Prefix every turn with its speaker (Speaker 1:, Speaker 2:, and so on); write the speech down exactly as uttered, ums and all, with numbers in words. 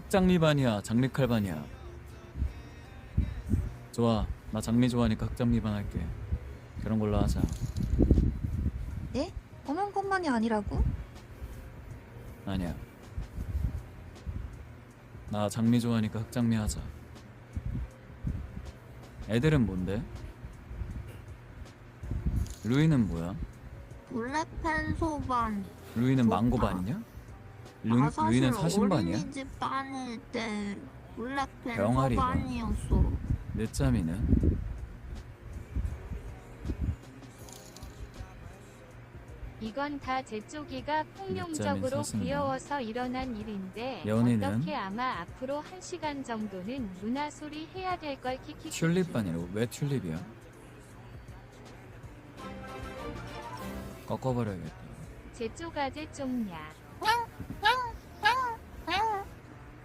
Speaker 1: 흑장미반이야 장미칼반이야. 좋아, 나 장미 좋아하니까 흑장미반 할게. 그런 걸로 하자.
Speaker 2: 네? 검은 것만이 아니라고?
Speaker 1: 아니야, 나 장미 좋아하니까 흑장미 하자. 애들은 뭔데? 루이는 뭐야?
Speaker 3: 블랙펜 소반.
Speaker 1: 루이는
Speaker 3: 좋다.
Speaker 1: 망고반이냐? 루,
Speaker 3: 나 사실
Speaker 1: 루이는 사신반이야?
Speaker 3: 어린이집 다닐 때 블랙펜
Speaker 1: 병아리가.
Speaker 3: 소반이었어.
Speaker 1: 늦잠이는?
Speaker 4: 이건 다 제쪽이가 폭룡적으로
Speaker 1: 사슴이네.
Speaker 4: 귀여워서 일어난 일인데
Speaker 1: 연희는?
Speaker 4: 어떻게 아마 앞으로 한 시간 정도는 누나 소리 해야 될 걸 키키키.
Speaker 1: 튤립반이라고? 왜 튤립이야? 꺾어버려야겠다.
Speaker 4: 제쪽 아재 쪽냐.